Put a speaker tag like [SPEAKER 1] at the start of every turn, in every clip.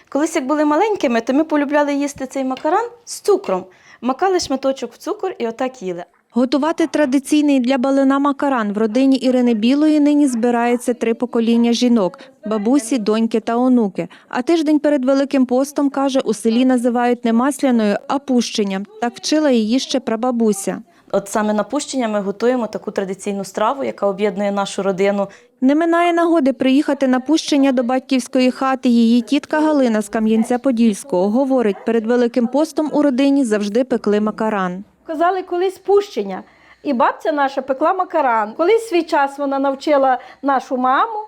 [SPEAKER 1] Колись, як були маленькими, то ми полюбляли їсти цей макаран з цукром. Макали шматочок в цукор і отак їли.
[SPEAKER 2] Готувати традиційний для Балина макаран в родині Ірини Білої нині збирається 3 покоління жінок – бабусі, доньки та онуки. А тиждень перед Великим постом, каже, у селі називають не масляною, а пущенням. Так вчила її ще прабабуся.
[SPEAKER 1] От саме на пущення ми готуємо таку традиційну страву, яка об'єднує нашу родину.
[SPEAKER 2] Не минає нагоди приїхати на пущення до батьківської хати її тітка Галина з Кам'янця-Подільського. Говорить, перед Великим постом у родині завжди пекли макаран.
[SPEAKER 3] Казали колись пущення, і бабця наша пекла макаран. Колись свій час вона навчила нашу маму,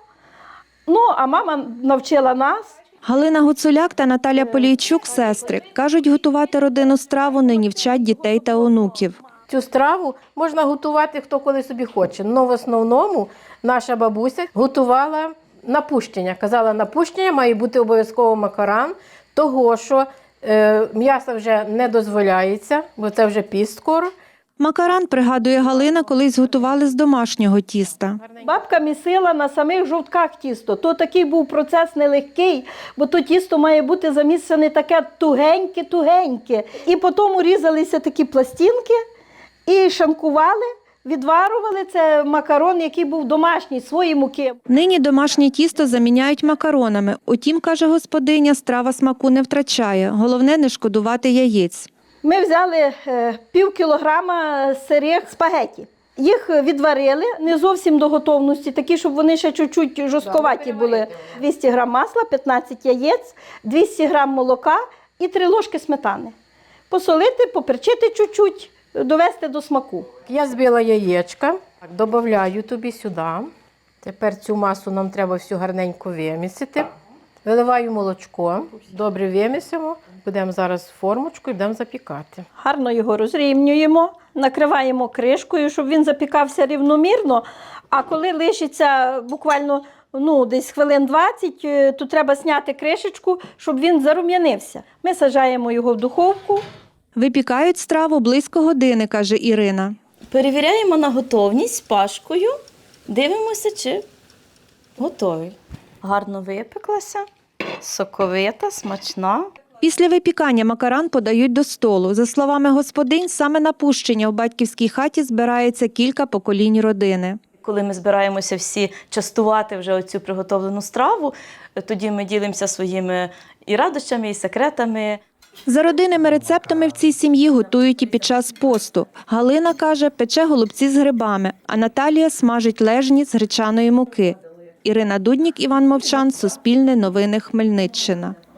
[SPEAKER 3] а мама навчила нас.
[SPEAKER 2] Галина Гуцуляк та Наталя Полійчук – сестри. Кажуть, готувати родинну страву нині вчать дітей та онуків.
[SPEAKER 4] Цю страву можна готувати хто коли собі хоче. Але в основному наша бабуся готувала на пущення. Казала, на пущення має бути обов'язково макаран, того що м'ясо вже не дозволяється, бо це вже піст скоро.
[SPEAKER 2] Макаран, пригадує Галина, колись готували з домашнього тіста.
[SPEAKER 3] Бабка місила на самих жовтках тісто. То такий був процес нелегкий, бо то тісто має бути замісане таке тугеньке-тугеньке. І потім різалися такі пластинки і шанкували, відварували. Це макарон, який був домашній, свої муки.
[SPEAKER 2] Нині домашнє тісто заміняють макаронами. Утім, каже господиня, страва смаку не втрачає. Головне – не шкодувати яєць.
[SPEAKER 3] Ми взяли пів кілограма сирих спагеті. Їх відварили не зовсім до готовності, такі, щоб вони ще чуть-чуть жорстковаті були. 200 грам масла, 15 яєць, 200 грам молока і 3 ложки сметани. Посолити, поперчити чуть-чуть, довести до смаку.
[SPEAKER 4] Я збила яєчка, додаю тобі сюди. Тепер цю масу нам треба всю гарненько вимісити. Виливаю молочко, добре вимісимо. Будемо зараз в формочку і будемо запікати.
[SPEAKER 3] Гарно його розрівнюємо, накриваємо кришкою, щоб він запікався рівномірно. А коли лишиться буквально десь хвилин 20, то треба зняти кришечку, щоб він зарум'янився. Ми саджаємо його в духовку.
[SPEAKER 2] Випікають страву близько години, каже Ірина.
[SPEAKER 1] Перевіряємо на готовність з пашкою, дивимося, чи готовий. Гарно випеклася, соковита, смачна.
[SPEAKER 2] Після випікання макаран подають до столу. За словами господинь, саме на пущення у батьківській хаті збирається кілька поколінь родини.
[SPEAKER 1] Коли ми збираємося всі частувати вже оцю приготовлену страву, тоді ми ділимося своїми і радощами, і секретами.
[SPEAKER 2] За родинними рецептами в цій сім'ї готують і під час посту. Галина, каже, пече голубці з грибами, а Наталія смажить лежні з гречаної муки. Ірина Дуднік, Іван Мовчан, Суспільне новини, Хмельниччина.